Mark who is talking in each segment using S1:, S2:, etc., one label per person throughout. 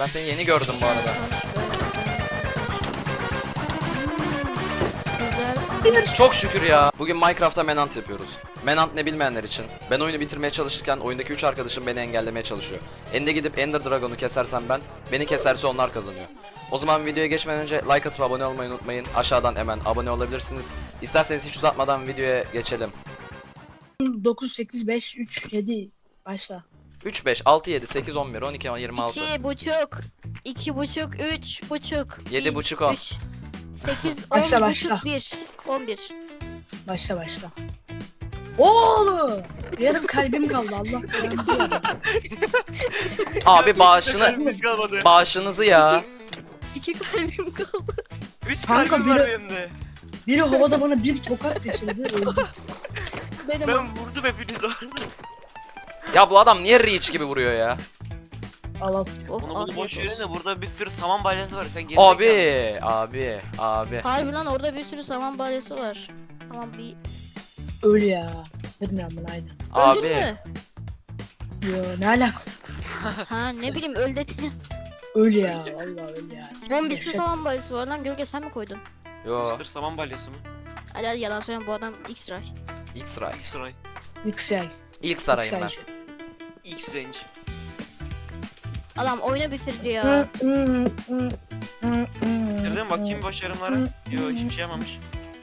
S1: Ben seni yeni gördüm bu arada.
S2: Güzel.
S1: Çok şükür ya. Bugün Minecraft'ta Menant yapıyoruz. Menant ne bilmeyenler için. Ben oyunu bitirmeye çalışırken oyundaki 3 arkadaşım beni engellemeye çalışıyor. Ende gidip Ender Dragon'u kesersem ben, beni keserse onlar kazanıyor. O zaman videoya geçmeden önce like atıp abone olmayı unutmayın. Aşağıdan hemen abone olabilirsiniz. İsterseniz hiç uzatmadan videoya geçelim.
S3: 9, 8, 5, 3, 7. Başla.
S1: 3, 5, 6, 7, 8, 11, 12, 26.
S2: 2,5. 2,5. 3,5.
S1: 7,5 10.
S2: 3. 8,
S3: Başla,
S2: 10,5.
S3: başla.
S2: 1. 11.
S3: Başla. Oğlum! Yarım kalbim kaldı Allah belanı.
S1: Abi
S4: Kalbimiz kalmadı.
S1: bağışınızı ya.
S2: 2 kalbim kaldı.
S4: 3
S3: Kanka,
S4: kalbim var
S3: biri-
S4: benim de.
S3: Biri havada bana bir tokat geçirdi. Öldüm.
S2: Benim
S4: Ben vurdum hepinizi.
S1: Ya bu adam niye Reach gibi vuruyor ya?
S3: Al.
S2: Oh,
S4: Onu bunu boş
S2: afiyet
S4: verin de
S2: olsun.
S4: burada bir sürü saman balyası var. Sen geri
S1: Abi.
S2: Harbi lan orada bir sürü saman balyası var. Tamam bir...
S3: Öl ya. Bilmiyorum ben aynı.
S2: Öldün
S1: Abi.
S2: mü?
S3: Yo ne alaka?
S2: Ha ne bileyim öl dedin.
S3: Öl ya. Allah öl ya.
S2: Bombisi
S3: Yaşa-
S2: saman balyası var lan Gölge sen mi koydun?
S1: Yo.
S4: Mr. Saman balyası mı?
S2: Hadi yalan söyleme bu adam X-Ray.
S1: X-Ray.
S4: X-Ray.
S3: Yüksel.
S1: İlk sarayım ben.
S4: X-Range.
S2: Adam oyunu bitirdi ya.
S4: Nereden bakayım başarımlara? Yo hiçbir şey yapmamış.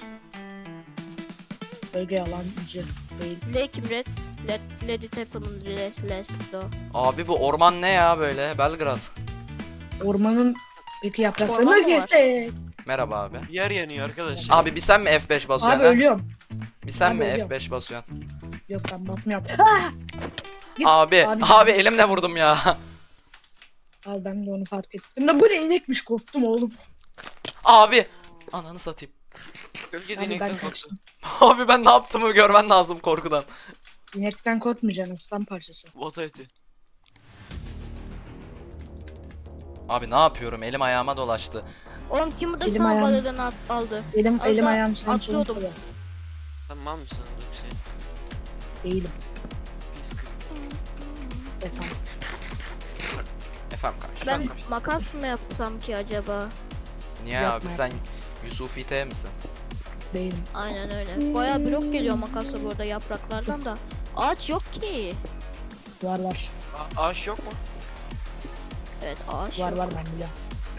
S3: Bölge yalancı değil.
S2: Lake Red, Let it happen, let's do.
S1: Abi bu orman ne ya böyle? Belgrad.
S3: Ormanın peki
S2: Orman
S3: yapraklarını
S2: mı var?
S3: kesek.
S1: Merhaba abi.
S4: Yer yanıyor arkadaş.
S1: Abi bir sen mi F5 basıyorsun
S3: Abi
S1: ha?
S3: ölüyorum.
S1: Bir sen
S3: abi
S1: mi
S3: ölüyorum.
S1: F5 basıyorsun?
S3: Yok ben basmıyorum. Git.
S1: Abi elimle vurdum ya.
S3: Abi ben de onu fark ettim. Da bu ne inekmiş korktum oğlum.
S1: Abi. Ananı satayım.
S4: Gölge
S3: Abi ben
S4: dinekten korktu.
S3: kaçtım.
S1: Abi ben ne yaptığımı görmen lazım korkudan.
S3: İnekten korkmayacaksın aslan parçası.
S4: Vata eti.
S1: Abi ne yapıyorum? Elim ayağıma dolaştı.
S2: Oğlum kim burada
S3: Elim
S2: saman
S3: ayağım-
S2: balyalarını aldı?
S3: Elim
S2: Az daha
S3: ayağım sen
S2: atlıyordum.
S3: solun
S4: Sen mal mısın? Yoksa
S3: değilim.
S4: pis kız.
S3: Efendim.
S1: Efendim karşı.
S2: Ben makas mı yapsam ki acaba?
S1: Niye
S3: Yapma.
S1: abi sen Yusufi T misin?
S3: Değilim.
S2: Aynen öyle. Bayağı blok geliyor makasla burada yapraklardan da. Ağaç yok ki.
S3: Var.
S4: Ağaç yok mu?
S2: Evet ağaç
S3: Var
S2: yok.
S3: var ben biliyorum.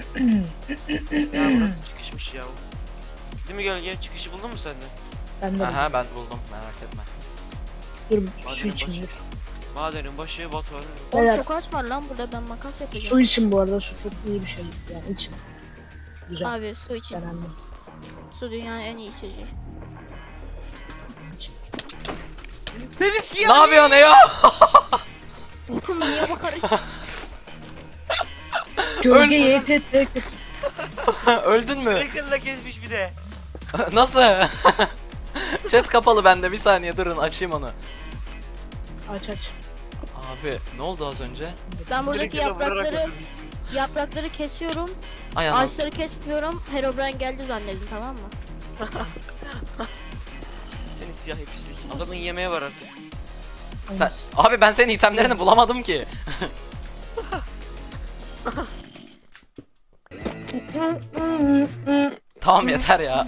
S4: Ya burası çıkışmış ya. Değil mi gölge? Çıkışı buldun mu sen de?
S3: Ben de
S1: Aha ben buldum merak etme.
S3: dur
S4: Hadi
S3: su için
S4: başı.
S3: dur.
S4: Madenin başı Batu var.
S2: Oğlum
S3: Beyler.
S2: çok ağaç var lan burada ben makas yapacağım.
S3: Su için bu arada su çok iyi bir şey. Yani için. Güzel.
S2: Abi su için.
S3: Önemli.
S2: Su dünyanın en iyi içeceği.
S3: İçin.
S4: Beni siyah.
S1: Ne yapıyorsun ya?
S2: Oğlum niye bağırıyorsun?
S3: Gölge YTT.
S1: Öldün mü?
S4: Reklamla kesmiş bir de.
S1: Nasıl? Chat kapalı bende bir saniye durun açayım onu.
S3: Aç.
S1: Abi ne oldu az önce?
S2: Ben buradaki
S4: Direktörle vurarak öldürdüm.
S2: yaprakları kesiyorum.
S1: Ay anam.
S2: Ağaçları kesmiyorum. Herobrine geldi zannedin tamam mı?
S4: Seni siyah pislik. Adamın yemeği var artık.
S1: Sen, abi ben senin itemlerini bulamadım ki. Tamam yeter ya.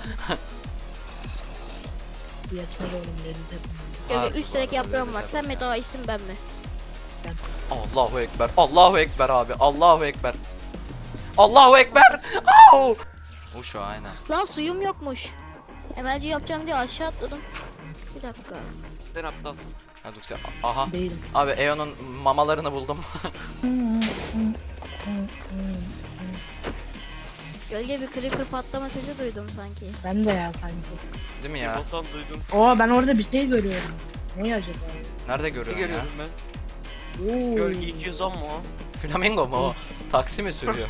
S3: Yetmez oğlum YTT.
S1: Abi,
S2: Gölge 3 direk yaprağım var. Sen mi daha iyisin ben mi?
S1: Allahu ekber. Allahu ekber abi. Allahu ekber. Allahu ekber. Au! O şu aynen.
S2: Lan suyum yokmuş. Emelci yapacağım diye aşağı atladım. Bir dakika.
S4: Sen aptalsın.
S1: Hadi sen. Aha.
S3: Değilim.
S1: Abi Eon'un mamalarını buldum.
S2: Gölge bir creeper patlama sesi duydum sanki.
S3: Ben de ya sanki.
S1: Değil mi ya?
S4: Botan duydum.
S3: Oo ben orada bir şey görüyorum. Ne acaba?
S1: Nerede
S4: Ne
S1: görüyorsun ya?
S4: görüyorum ben?
S3: Oo.
S4: Gölge 210 mu o?
S1: Flamingo mu o? Taksi mi sürüyor?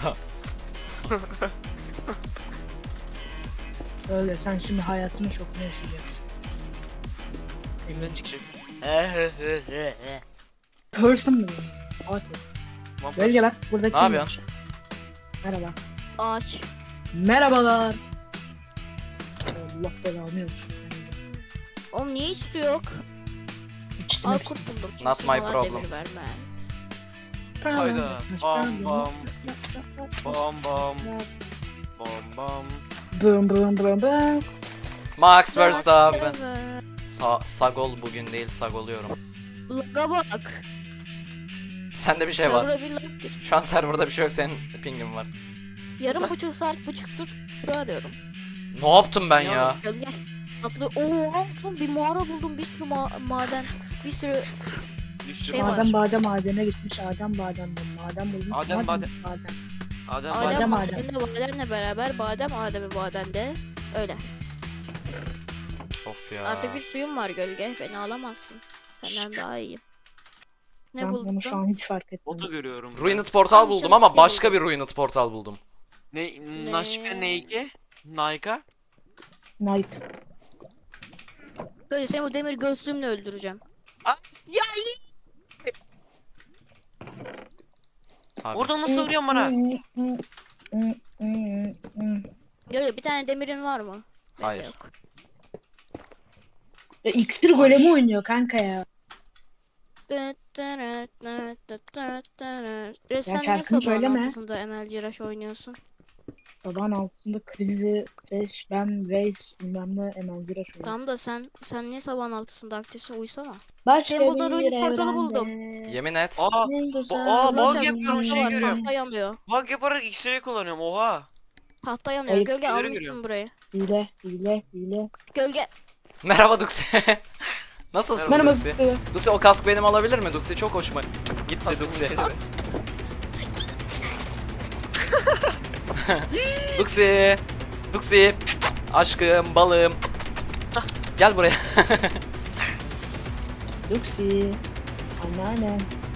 S3: Öyle sen şimdi hayatını şokunu yaşayacaksın.
S4: Elimden çıkacak.
S3: Person mu? Hadi.
S4: Tamam,
S3: Gölge bak burada
S1: Ne
S3: kim
S1: yapıyorsun?
S3: var? Merhaba.
S2: Ağaç.
S3: Merhabalar. Allah belanı versin.
S2: Oğlum niye hiç su yok?
S3: İçtim
S2: Al
S3: hepsini.
S2: kurt buldum.
S1: Not
S2: Kimse
S1: my
S2: bana
S1: problem.
S2: demir vermez.
S4: Hayda. Bam bam. Bam bam. Bam bam.
S3: Bum bum bum bum.
S1: Max Verstappen.
S2: Verstappen.
S1: Sagol bugün değil, sagoluyorum.
S2: Lag'a bak.
S1: Sende bir şey var.
S2: Server'a bir lag gir.
S1: Şu an serverda bir şey yok, senin pingin var.
S2: Yarım buçuk saat buçuktur arıyorum.
S1: Ne yaptım ben ya?
S2: Gölge. Atlı. Oo, bir mağara buldum, bir sürü maden, bir sürü
S4: Bir sürü
S2: Şey var.
S3: Badem madene gitmiş. Badem bulmuş.
S4: Adem badem.
S2: Adem
S3: Badem.
S2: Adem'le Badem'le beraber Adem'i Badem'de öyle.
S1: Of ya.
S2: Artık bir suyum var Gölge, beni alamazsın. Senden daha iyiyim. Ne
S3: Ben bunu şu
S2: buldun?
S3: an hiç fark etmedim.
S4: Botu görüyorum.
S1: Ruined portal
S2: Abi
S1: buldum
S2: çok
S1: ama
S2: şey
S1: başka
S2: buldum.
S1: bir Ruined portal buldum.
S4: Ne? Naşka neyke? Nayka?
S3: Nike.
S2: Gölge, seni bu demir gözlüğümle öldüreceğim.
S4: Ya
S1: Abi.
S4: oradan nasıl vuruyorsun bana?
S2: Gölge, bir tane demirin var mı? Bende
S1: Hayır.
S2: Yok.
S3: Ya, İksir golemi oynuyor kanka ya.
S2: Sen
S3: şarkını
S2: niye sabahın
S3: söyleme.
S2: altısında ML Ciraş oynuyorsun?
S3: Sabahın altında krizi, Fresh, ben, Reis, bilmem ne, Emel Güreş oynuyor.
S2: Tamam da sen niye sabahın altısında aktifsin, uysana.
S3: Başka
S2: Senin burada
S3: bir
S2: Ruined portalı
S3: evrende
S2: buldum.
S1: Yemin et.
S4: Aa,
S3: ne güzel
S4: bug
S2: Ulaşacağım,
S4: yapıyorum, şey
S2: tahta var,
S4: görüyorum.
S2: tahta yanıyor.
S4: Bug yaparak X-ray kullanıyorum, oha.
S2: Tahta yanıyor.
S3: Ayıp.
S2: Gölge,
S4: Üzeri
S2: almışsın
S4: görüyorum.
S2: burayı.
S3: hile.
S2: Gölge.
S1: Merhaba Duxi. Nasılsın
S4: Merhaba.
S1: Duxi? Duxi, o kask benim alabilir mi? Duxi çok hoşuma gitti Duxi. Duxi. Duxi. Aşkım, balım. Gel buraya.
S3: Luxi. Anneannem.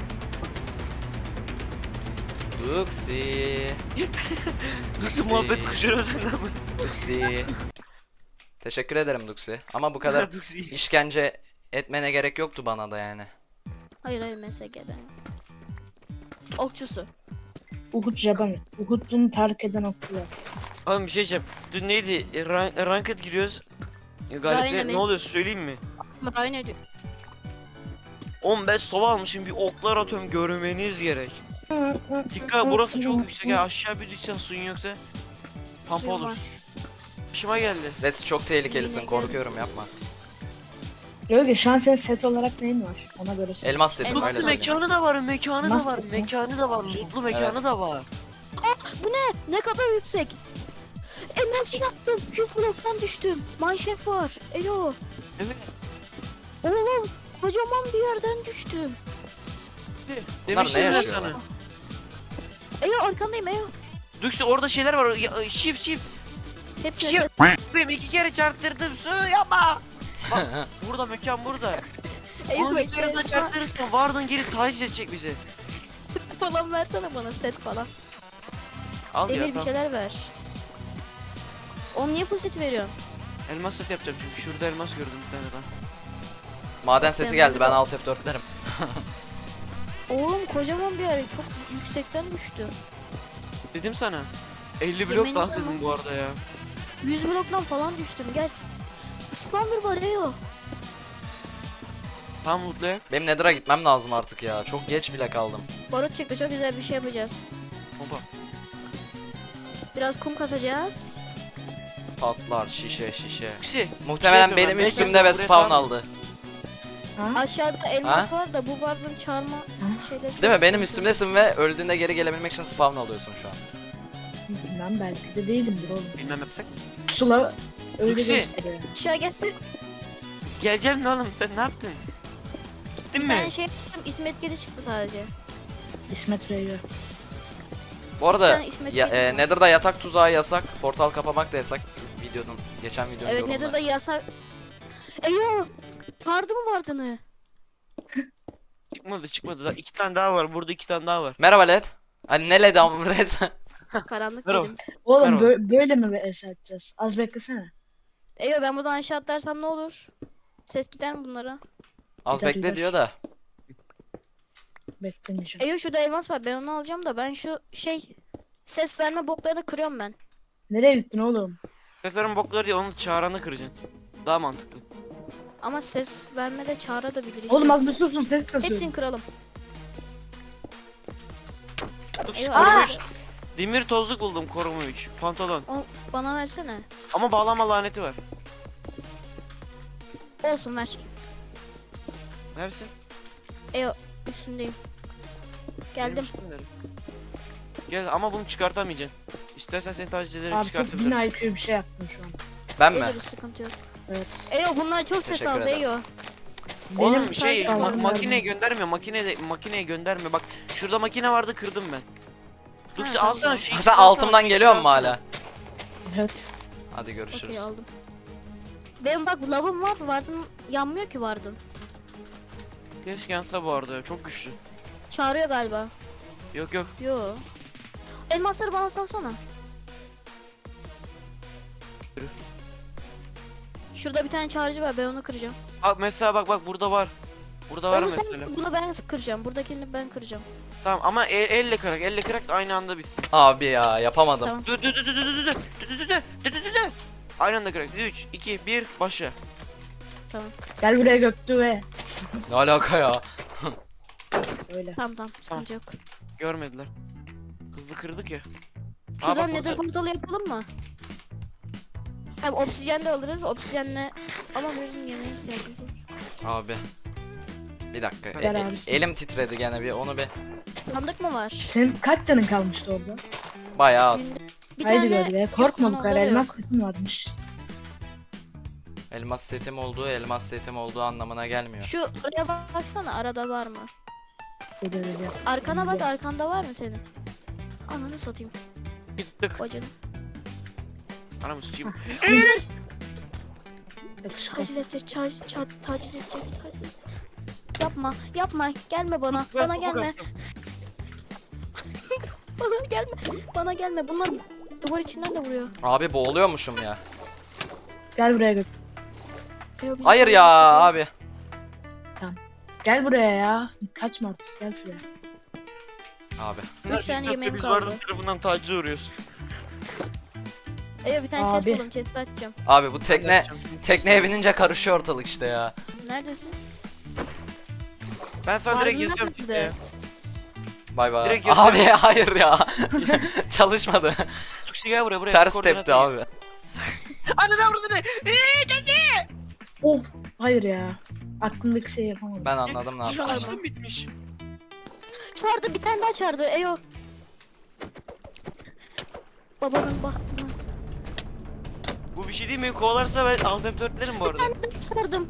S1: Duxi.
S4: Duxi muhabbet kuşuyor senden mi?
S1: Duxi. Teşekkür ederim Duxi. Ama bu kadar
S4: Duxi.
S1: işkence etmene gerek yoktu bana da yani.
S2: Hayır MSG'den. Okçusu.
S3: Uhud Jaban. Uhud'un terk eden aslı.
S4: Oğlum bir şey diyeceğim. Dün neydi? Ranked giriyoruz. Galipler
S2: Dynamic.
S4: ne oluyor söyleyeyim mi?
S2: Aynı diyor.
S4: 15 sova almışım, bir oklar atıyorum, görmeniz gerek. Dikkat, burası çok yüksek ya, aşağı bir düşsen suyun yoksa pampa
S2: Suyum
S4: olur.
S2: var.
S4: Başıma geldi.
S1: Let's, çok tehlikelisin,
S2: Yine
S1: korkuyorum, yapma.
S3: Öyle şu an senin set olarak neyin var? Ona göre söyle.
S1: Elmas setim,
S2: Elmas
S1: öyle
S4: Mutlu
S1: söyleyeyim.
S4: mekanı da var, mekanı da
S3: Nasıl
S4: var,
S3: ya?
S4: mekanı da var, mutlu mekanı
S1: Evet.
S4: da var.
S2: Ne kadar yüksek. Enerji yaptım. 100 bloktan düştüm. Mineshaft var. Elo.
S4: Evet.
S2: Oğlum. Kocaman bir yerden düştüm.
S4: Demiştim
S1: ne
S4: ben
S1: yaşıyor?
S4: sana.
S2: Elo arkandayım Elo.
S4: Duxi orada şeyler var, shift.
S2: Hepsine
S4: Shift.
S2: set.
S4: Benim 2 kere çarptırdım, su yapma. Bak burada mekan burada.
S2: Elo
S4: Onu bir kere daha
S2: bekle.
S4: çarptırırsan vardın geri taciz edecek bizi.
S2: Falan versene bana set falan.
S4: Al ya
S2: Demir bir
S4: tamam.
S2: şeyler ver. Oğlum niye full set veriyorsun?
S4: Elmas set yapacağım çünkü şurada elmas gördüm bir tane ben.
S1: Maden sesi
S2: Ben
S1: geldi,
S2: bunu-
S1: ben alt F4 derim.
S2: Oğlum kocaman bir yer. Çok yüksekten düştü.
S4: Dedim sana. 50 blok
S2: Yemin
S4: dans
S2: ederim.
S4: edin bu arada ya.
S2: 100 bloktan falan düştüm. Gel. Spawner var Elo.
S4: Tamam mutlu ya.
S1: Benim Nether'a gitmem lazım artık ya. Çok geç bile kaldım.
S2: Barut çıktı. Çok güzel bir şey yapacağız.
S4: Hoppa.
S2: Biraz kum kasacağız.
S1: Patlar, şişe.
S4: Duxi.
S1: Muhtemelen
S4: Şey
S1: benim
S4: diyorum ben,
S1: üstümde
S4: belki
S1: ve
S4: buraya
S1: spawn
S4: tamam.
S1: aldı.
S3: Ha?
S2: Aşağıda elmas var da bu varlığın çarma şeyleri çok
S1: Değil mi? Benim
S2: sıkıntı.
S1: üstümdesin ve öldüğünde geri gelebilmek için spawn alıyorsun şu an.
S3: Bilmem belki de değilimdir oğlum.
S4: Bilmem yapsak.
S3: Pusula öyle
S4: Luxi.
S3: gösteriyor.
S2: Aşağı gelsin.
S4: Geleceğim ne oğlum sen ne yaptın? Gittin
S2: Ben
S4: mi?
S2: şey çıktım. İsmet Kedi çıktı sadece.
S3: İsmet Rey'e.
S1: Bu arada
S2: Ben İsmet Bey'im.
S1: Nether'da yatak tuzağı yasak, portal kapamak da yasak. Geçen videonun
S2: Evet
S1: yorumunda.
S2: Nether'da yasak. Eyo. Çağırdı mı vardığını?
S4: Çıkmadı. Daha 2 tane daha var. Burada 2 tane daha var.
S1: Merhaba Led. Hani ne Led ama Led?
S2: Karanlık
S4: Merhaba.
S2: dedim.
S3: Oğlum
S4: Merhaba.
S3: böyle mi es edeceğiz? Az beklesene.
S2: Eyo ben buradan aşağı atlarsam ne olur? Ses gider mi bunlara?
S1: Az
S3: Gider,
S1: bekle
S3: gider.
S1: diyor da.
S3: Beklemeyeceğim.
S2: Eyo şurada elmas var. Ben onu alacağım da ben şu ses verme boklarını kırıyorum ben.
S3: Nereye gittin oğlum?
S4: Seslerin bokları diye onu çağıranı kıracaksın. Daha mantıklı.
S2: Ama ses verme de çağrı da bilir işte.
S3: Oğlum az bir susun ses kasıyorum.
S2: Hepsini kıralım. Eyvah.
S4: Koruma 3. Demir tozluk buldum koruma 3. Pantolon.
S2: O, bana versene.
S4: Ama bağlama laneti var.
S2: Olsun ver.
S4: Nersin?
S2: Üstündeyim. Geldim.
S4: Gel ama bunu çıkartamayacaksın. İstersen seni taciz ederek
S3: Abi çok
S4: çıkartabilirim.
S3: 1000 IQ bir şey yaptın şu an.
S1: Ben mi?
S2: Ölürüz, sıkıntı yok.
S3: Evet.
S2: Bunlar çok ses
S1: Teşekkür
S2: aldı
S1: ederim.
S2: Eyo.
S4: Oğlum
S3: Benim
S4: şey
S2: sadece
S3: sağlığım
S4: makineye
S3: var.
S4: göndermiyor. Makineye gönderme. Bak şurada makine vardı kırdım ben. Lüks
S2: tamam.
S4: alsana şu
S1: Ha,
S4: ikisini
S1: sen
S4: alsana,
S1: altımdan
S4: şu
S1: geliyor
S4: ikisini
S1: mu
S4: alsana.
S1: hala?
S3: Evet.
S1: Hadi görüşürüz.
S2: Okey aldım. Benim bak lavım var, vardım yanmıyor ki vardım.
S4: Keşke yansa bu arada ya, çok güçlü.
S2: Çağırıyor galiba.
S4: Yok yok.
S2: Yo. Elmasları bana salsana.
S4: Yürü.
S2: Şurada bir tane çağırıcı var, ben onu kıracağım.
S4: Bak mesela bak burada var. Burada var
S2: Onu sen,
S4: mesela.
S2: bunu ben kıracağım. Buradakini ben kıracağım.
S4: Tamam ama elle kırak da aynı anda bitsin.
S1: Abi ya yapamadım.
S2: Tamam.
S4: Dur. Aynı anda kırak. 3 2 1 başla.
S3: Gel buraya Göktuğ ve
S1: Ne alaka ya?
S3: öyle.
S2: Tamam sıkıntı yok.
S4: Görmediler. Hızlı kırdık ya.
S2: Şuradan
S4: bak
S2: nether
S4: burada.
S2: portalı yapalım mı? Hem obsidyen de alırız. Obsidyenle ama bizim yemeğe ihtiyacımız var.
S1: Abi. Bir dakika.
S3: Gel abisi.
S1: Elim titredi gene bir onu bir.
S2: Sandık mı var?
S3: Senin kaç canın kalmıştı orada?
S1: Bayağı az.
S2: Bir
S3: Haydi
S2: tane
S3: böyle. Korkma bu
S2: yok,
S3: kadar.
S2: onları
S3: Elmas
S2: yok.
S3: setin varmış.
S1: Elmas setim olduğu anlamına gelmiyor.
S2: Şu oraya baksana, arada var mı?
S3: Böyle.
S2: Arkana bak, arkanda var mı senin? Ananı satayım.
S4: Gittik.
S2: Bacanı.
S4: Anamı sıçayım.
S2: Taciz edecek, taciz edecek. Yapma, gelme bana, bana gelme. Bana gelme. Bunlar duvar içinden de vuruyor.
S1: Abi boğuluyormuşum ya.
S3: Gel buraya Göktuğ.
S2: Yo, biz
S1: Hayır
S2: duvar
S1: ya
S2: içinden-
S1: abi.
S3: Gel buraya ya. Kaçma artık. Gel şuraya.
S1: Abi.
S2: Üç tane yemeğim
S4: Biz
S2: kaldı.
S4: vardı tarafından tacize uğruyoruz.
S2: Bir tane chest
S3: Abi.
S2: buldum, chest açacağım.
S1: Abi bu tekneye binince karışıyor ortalık işte ya.
S2: Neredesin?
S4: Ben sana direkt
S2: Ağzından
S4: yazıyorum
S2: nerede?
S4: tekneye.
S1: Bay bay.
S4: Direkt
S1: Abi hayır ya. Çalışmadı.
S4: Tuksi gel buraya
S1: Ters
S4: koordinat
S1: tepti
S4: ver.
S1: abi.
S4: Anne ne vurdu ne?
S3: Of. Hayır ya. Aklımdaki şeyi yapamadım.
S1: Ben anladım ne
S2: Şu
S1: yapacağım.
S2: an-
S4: Açtım bitmiş.
S2: Çağırdı, bir tane daha çağırdı. Eyo. Babanın bahtına.
S4: Bu bir şey değil mi? Kovalarsa ben alt F4'lerim bu arada.
S2: Çağırdım.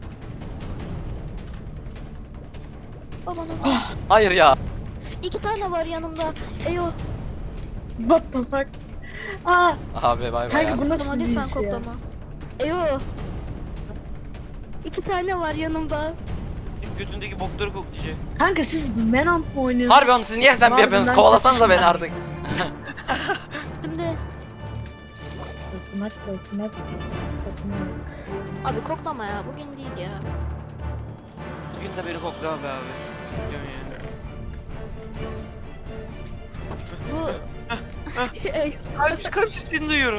S2: Babanın.
S1: Hayır ya.
S2: 2 tane var yanımda. Eyo.
S3: What the fuck? Aa,
S1: Abi bay bay ya.
S3: kanka bu nasıl
S2: Koklama
S3: bir
S2: lütfen,
S3: his ya?
S2: koklama. Eyo. 2 tane var yanımda.
S4: Götündeki bokları koklayacak.
S3: Kanka siz Menant mı oynuyorsunuz?
S1: Harbi oğlum siz niye sen
S3: Var
S1: yapıyorsunuz?
S3: bundan
S1: Kovalasanıza beni
S3: kaçın
S1: artık.
S2: Şimdi
S3: Dokunak.
S2: abi koklama ya, bugün değil ya.
S4: Bugün de beni koklama be abi. Biliyorum yani.
S2: Bu Eyo.
S4: Kalp sesini duyuyorum.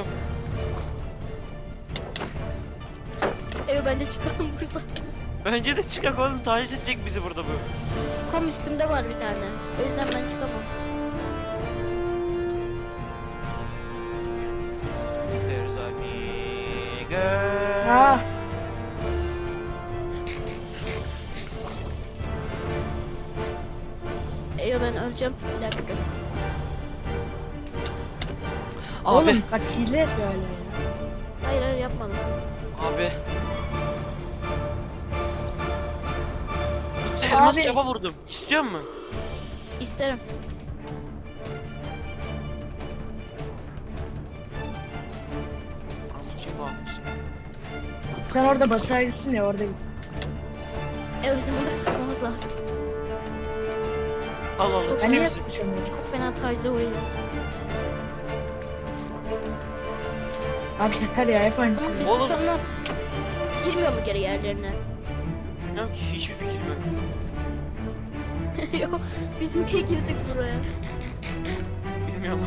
S2: Eyo, bence çıkalım buradan.
S4: Bence de çıkak oğlum, taciz edecek bizi burada bu.
S2: Tam üstümde var bir tane. O yüzden ben çıkamam.
S4: There's a nigger.
S3: Ah,
S2: Eyo, ben öleceğim. Bir dakika.
S1: Abi.
S3: oğlum bak hile yapıyor hala ya.
S2: Hayır yapmadım.
S1: Abi.
S4: Sen elmas
S3: Abi.
S4: çapa vurdum. İstiyor musun?
S2: İsterim.
S4: Elmas çapa almışsın.
S3: Sen orada batığa gitsin ya orada git.
S2: Eyo, bizim buradan çıkmamız lazım.
S4: Al al al.
S3: Ben
S4: ister
S3: niye
S4: misin?
S3: yapmışım?
S2: Çok fena tacize uğrayacağız.
S3: Abi yeter ya hep aynı
S2: Ama
S3: şey.
S2: biz
S4: Oğlum.
S2: sonra girmiyor mu geri yerlerine?
S4: Bilmiyorum ki, hiçbir fikrim yok.
S2: Yok, biz niye girdik buraya?
S4: Bilmiyorum.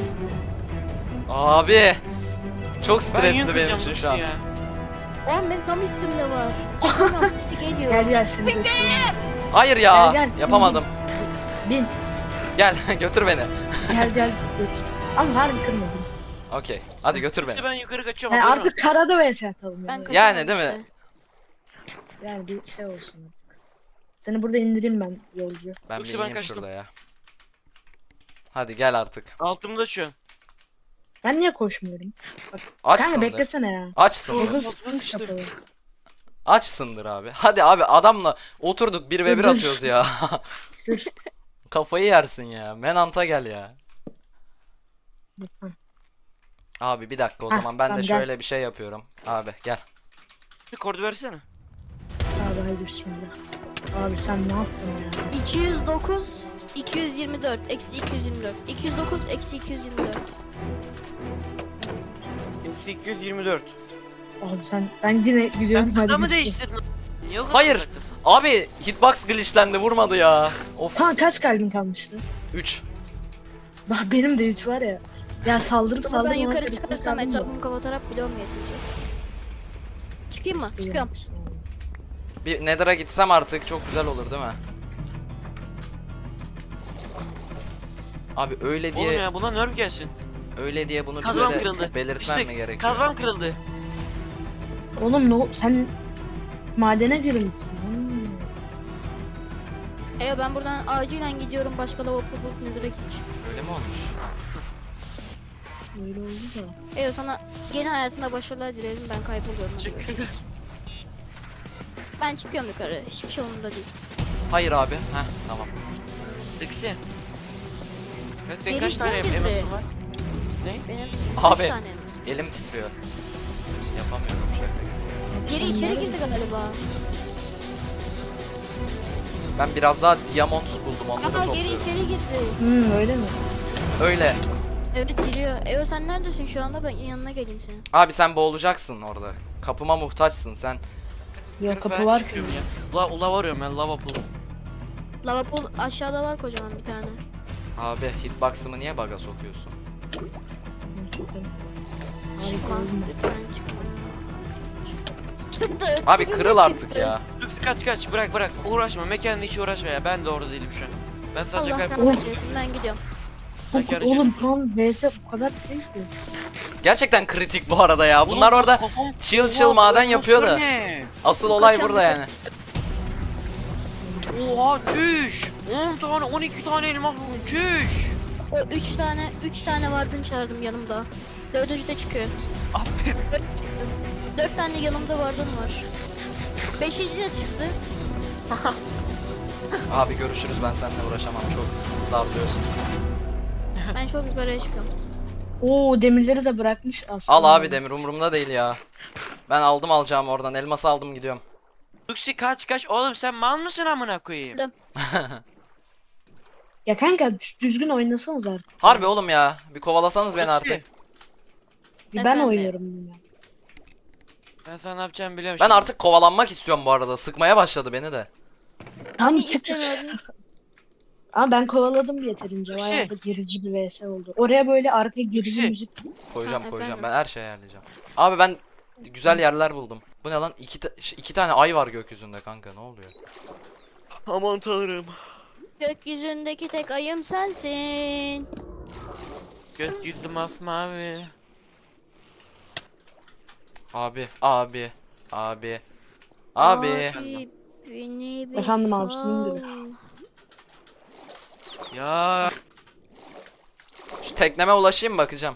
S1: Abi. Çok
S4: Ben
S1: stresli benim
S4: yıkayacağım
S1: için
S4: bu
S1: şu an.
S4: işi ya.
S2: O an benim tam üstümde var. Çıkamıyorum, işte geliyor.
S3: Gel seni götüreyim.
S1: Hayır ya.
S3: Gel, gel.
S1: Yapamadım.
S3: Bin.
S1: Gel götür beni.
S3: Gel gel götür. Ama harbi kırmadım.
S1: Okey. Hadi götür
S4: Duksi
S1: beni.
S4: ben yukarı kaçıyorum.
S3: Yani
S4: haberin
S3: artık karada vs atalım
S2: Ben
S3: yani.
S2: kaçamam
S1: Yani değil mi?
S2: işte.
S3: Yani bir şey olsun artık. Seni burada indireyim ben yolcu.
S1: Ben bir
S4: Yoksa ben
S1: ineyim
S4: kaçtım.
S1: şurada ya. Hadi gel artık.
S4: olsun. Altımda şu an.
S3: Ben niye koşmuyorum?
S1: Aç
S3: Kanka
S1: sındır.
S3: beklesene ya.
S1: Açsındır.
S3: Google
S4: Bak,
S3: Sprint
S4: işte.
S3: kapalı.
S1: Açsındır abi. Hadi abi adamla oturduk 1v1
S3: Dur.
S1: atıyoruz ya.
S3: Dur.
S1: Kafayı yersin ya. Menant'a gel ya.
S3: Lütfen.
S1: Abi bir dakika o
S3: Heh,
S1: zaman ben de
S3: tamam, gel.
S1: şöyle bir şey yapıyorum. Abi gel.
S4: Bir kordu versene.
S3: Abi hadi bismillah. Abi sen ne yaptın ya?
S2: 209 224 eksi 224 209 eksi 224.
S4: Eksi 224.
S3: Abi ben yine gidiyorum.
S4: Sen kıta mı
S3: git.
S4: değiştirdin? Niye o kadar
S1: Hayır.
S4: uzaktasın?
S1: Abi hitbox glitchlendi vurmadı ya. Of.
S3: Tamam kaç kalbin kalmıştı?
S1: 3.
S3: Bak benim de 3 var ya. Ya saldırıp
S2: Ama ben
S3: saldırıp.
S2: yukarı çıkarsam etrafımı kapatarak bloğum yetmeyecek. Çıkayım mı? Çıkıyorum.
S1: Bir Nether'a gitsem artık çok güzel olur değil mi? Abi öyle
S4: Oğlum
S1: diye
S4: ya buna nerf gelsin.
S1: öyle diye bunu
S4: Kazmam
S1: bize de
S4: kırıldı.
S1: belirtmem mi
S4: İşte
S1: gerekiyor?
S4: kazmam kırıldı.
S3: Oğlum sen madene girmişsin.
S2: Ben buradan acilen gidiyorum. Başka lavabo bulup Nether'a gideceğim.
S1: Öyle mi olmuş?
S3: Öyle oldu da.
S2: Sana yeni hayatında başarılar dilerim. Ben kayboluyorum. Hadi
S4: Çık.
S2: görüşürüz. Ben çıkıyorum yukarı. Hiçbir şey umurumda değil.
S1: Hayır abi. Heh tamam.
S4: Dıksi. Evet, senin
S2: Geri
S4: kaç tane
S2: içten girdi.
S4: elmasın var? Ne?
S2: Benim
S1: Abi.
S2: 3 tane elmasım.
S1: Elim titriyor. Yapamıyorum şaka.
S2: Geri içeri girdi galiba.
S1: Ben biraz daha diamond buldum onları
S2: Ama geri
S1: topluyorum.
S2: içeri girdi.
S3: Öyle mi?
S1: Öyle.
S2: Evet giriyor. Sen neredesin şu anda? Ben yanına geleyim senin.
S1: Abi sen boğulacaksın orada. Kapıma muhtaçsın sen.
S3: Yok kapı
S4: Ben
S3: var ki.
S4: çıkıyorum ya. Lava arıyorum ben lava pool.
S2: Lavabo aşağıda var kocaman bir tane.
S1: Abi hitbox'ımı niye bug'a sokuyorsun?
S2: Çıkma. Lütfen çıkma. Çıktı.
S1: Abi
S2: Yine
S1: kırıl artık
S2: çıktı.
S1: ya.
S4: Dıksi kaç bırak uğraşma mekanla hiç uğraşma ya ben de orada değilim şu an. Ben sadece
S2: Allah
S4: kayboldum.
S2: rahmet eylesin. Ben gidiyorum.
S4: Bekar
S3: Oğlum tam vs bu kadar değil ki.
S1: Gerçekten kritik bu arada ya. Bunlar
S4: Oğlum,
S1: orada
S4: kafam-
S1: chill chill
S4: Oha,
S1: maden
S4: bu
S1: yapıyor da.
S4: monster ne?
S1: Asıl olay
S2: Kaçan
S1: burada
S2: bir-
S1: yani.
S4: Oha çüş. 10 tane 12 tane elmas buldum çüş.
S2: O 3 tane vardın çağırdım yanımda. 4. de çıkıyor.
S4: Abi
S2: 4 çıktı. 4 tane yanımda vardın var. 5. de çıktı.
S1: Abi görüşürüz ben seninle uğraşamam çok darlıyorsun.
S2: Ben çok yukarıya çıkıyorum.
S3: Oo demirleri de bırakmış aslında.
S1: Al abi demir umurumda değil ya. Ben aldım alacağım oradan elması aldım gidiyorum.
S4: Dıksi kaç oğlum sen mal mısın amına koyayım?
S3: Ya kanka düzgün oynasanız artık.
S1: Harbi oğlum ya bir kovalasanız beni
S4: Dıksi,
S1: artık.
S3: Ben
S2: Efendim?
S3: oynuyorum bunu.
S4: Ben sana ne yapacağımı biliyorum
S1: Ben
S4: şimdi.
S1: artık kovalanmak istiyorum bu arada sıkmaya başladı beni de.
S3: Tamam
S2: Hani
S3: çık.
S2: istemiyordun.
S3: Ama ben kovaladım yeterince.
S4: Dıksi.
S3: Bayağı da gerici bir vs oldu. Oraya böyle arkaya gerici
S4: Dıksi.
S3: müzik.
S1: Koyacağım
S2: Ha,
S1: koyacağım
S2: efendim?
S1: ben her şeyi ayarlayacağım. Abi ben güzel yerler buldum. Bu ne lan? İki tane ay var gökyüzünde kanka ne oluyor?
S4: Aman tanrım.
S2: Gökyüzündeki tek ayım sensin.
S4: Gökyüzü masmavi.
S1: Abi abi abi abi.
S2: Beni bir
S3: Efendim abi,
S2: sal.
S3: senin
S4: Ya
S1: Şu tekneme ulaşayım bakacağım.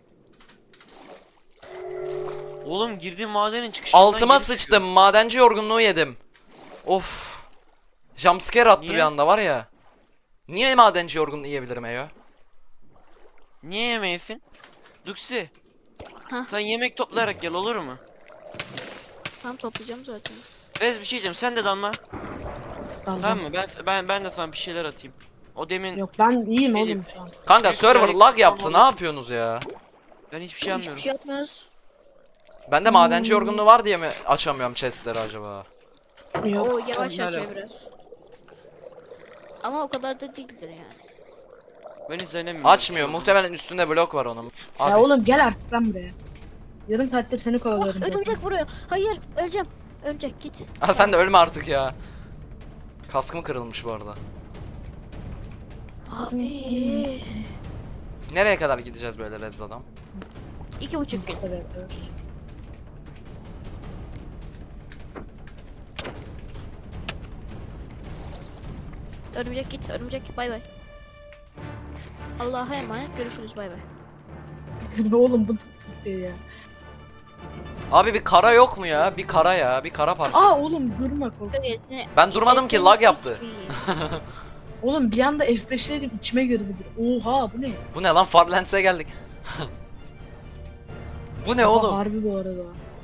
S4: oğlum girdiğim madenin çıkışından
S1: Altıma
S4: geri
S1: sıçtım
S4: çıkıyorum.
S1: madenci yorgunluğu yedim. Of. Jumpscare attı
S4: Niye?
S1: bir anda var ya. Niye madenci yorgunluğu yiyebilirim Eyo?
S4: Niye yemeyesin? Duksi.
S2: Hah.
S4: Sen yemek toplayarak gel olur mu?
S2: Tam toplayacağım zaten.
S4: Rez bir şey diyeceğim sen de dalma.
S3: Tamam.
S4: Tamam mı? Ben de sana bir şeyler atayım. O demin
S3: Yok ben iyiyim
S4: Elim.
S3: oğlum şu an.
S1: Kanka
S4: Çünkü
S1: server
S4: yani-
S1: lag yaptı ne yapıyorsunuz ya?
S4: ben hiçbir şey
S2: Hiçbir
S4: anlamıyorum.
S2: şey yapmıyoruz.
S1: Bende madenci yorgunluğu var diye mi açamıyorum chestleri acaba?
S3: Yok.
S2: O yavaş
S4: ne
S2: açıyor
S4: alaka?
S2: biraz. Ama o kadar da değildir yani.
S4: Ben hiç denemiyorum.
S1: Açmıyor muhtemelen üstünde blok var onun. Abi
S3: Ya oğlum gel artık lan buraya. Yarım saattir seni kovalıyorum. zaten.
S2: Örümcek vuruyor. Hayır öleceğim. Örümcek git.
S1: Aa, sen de ölme artık ya. Kaskım kırılmış bu arada.
S2: Abi.
S1: Nereye kadar gideceğiz böyle Reds adam?
S2: 2,5 gün.
S3: Bu kadar yapıyoruz.
S2: Örümcek git, örümcek bay bay. Allah'a emanet, görüşürüz bay bay.
S3: Oğlum bu ne şey ya?
S1: Abi bir kara yok mu ya? Bir kara ya. Bir kara parçası.
S3: Aa oğlum durma kork.
S1: Ben durmadım ki, lag yaptı.
S3: Oğlum bir anda F5'lerim içime girdi bir. Oha bu ne?
S1: Bu ne lan? Farlands'e geldik. Bu ne
S3: Oha,
S1: oğlum?
S3: harbi bu arada.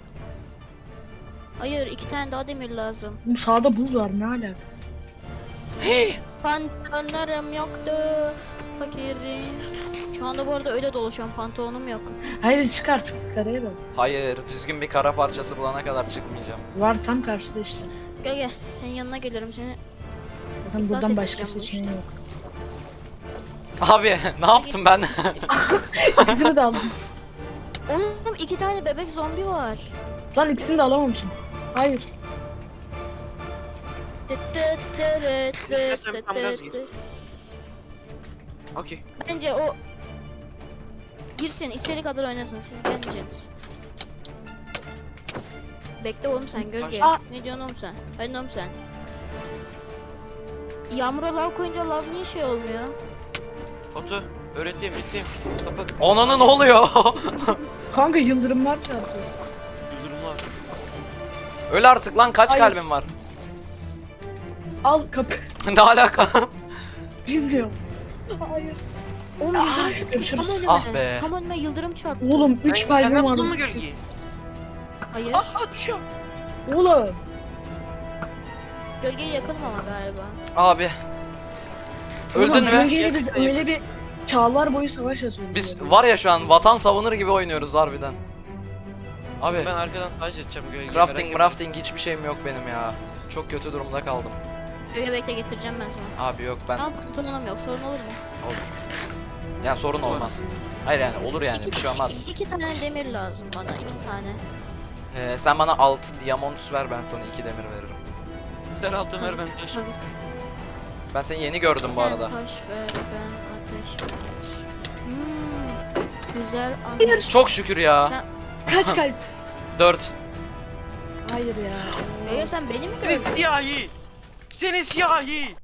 S2: Hayır, 2 tane daha demir lazım.
S3: Oğlum sağda buz var ne alaka?
S1: Hey!
S2: Pantolonlarım yoktu. Fakirim. Şu anda bu arada öyle dolaşıyorum, pantolonum yok.
S3: Hayır çık artık karaya da.
S1: Hayır, düzgün bir kara parçası bulana kadar çıkmayacağım.
S3: Var tam karşıda işte.
S2: Gel gel, senin yanına gelirim seni.
S3: Zaten
S2: İflas
S3: buradan başka
S2: edeceğim bu
S3: seçeneği
S2: işte.
S3: yok.
S1: Abi ne yaptım ben?
S3: İkisini de aldım.
S2: Oğlum 2 tane bebek zombi var.
S3: Lan ikisini de alamamışım. Hayır.
S4: İstersen tam gaz gir. Okey.
S2: Bence o girsin, istediği kadar oynasın, siz gelmeyeceksiniz. Bekle oğlum sen gölge.
S3: Aa!
S2: Ne diyorsun oğlum sen? Ben oğlum sen. Yağmura lav koyunca lav niye şey olmuyor?
S4: Otu. Öğreteyim, iteyim. Sapık.
S1: Onanı ne oluyor?
S3: Kanka yıldırımlar çarpıyor.
S4: Yıldırımlar.
S1: Öl artık lan, kaç
S3: Hayır.
S1: kalbin var?
S3: Al kapı.
S1: Ne alaka?
S3: Bilmiyorum. Hayır.
S2: Oğlum
S3: Aa,
S2: yıldırım çarptı.
S3: görüşürüz.
S2: Tam önüme.
S1: Ah be.
S2: Tam önüme yıldırım çarptı.
S3: Oğlum 3
S4: Sen
S3: kalbim var.
S4: buldun mu gölgeyi?
S2: Hayır.
S4: Aa düşüyor.
S3: Oğlum.
S2: Gölgeye yakınım ama galiba.
S1: Abi. Öldün
S3: Oğlum,
S1: mü?
S3: Gölgeyle biz öyle bir çağlar boyu savaş atıyoruz.
S1: Biz
S3: yani.
S1: var ya şu an vatan savunur gibi oynuyoruz harbiden. Abi
S4: Ben arkadan taş edeceğim gölgeyi.
S1: crafting hiçbir şeyim yok benim ya. Çok kötü durumda kaldım.
S2: Gölge bekle, getireceğim ben sana.
S1: Abi yok ben
S2: Ama pantolonum yok, sorun olur mu?
S1: olur. Yani sorun olmaz. Hayır yani olur yani bir şey olmaz.
S2: 2 tane demir lazım bana, 2 tane.
S1: Sen bana 6 diamond ver, ben sana 2 demir veririm.
S4: Sen altın ver ben taş.
S2: Kazık.
S1: Ben seni yeni gördüm bu
S2: Sen
S1: arada.
S2: taş ver, ben ateş ver. Güzel anladım.
S3: Hayır.
S1: Çok şükür ya.
S2: Sen,
S3: Kaç kalp?
S1: 4.
S3: Hayır ya.
S2: Gölge sen beni mi
S4: Seni
S2: gördün?
S4: siyahi. Seni siyahi.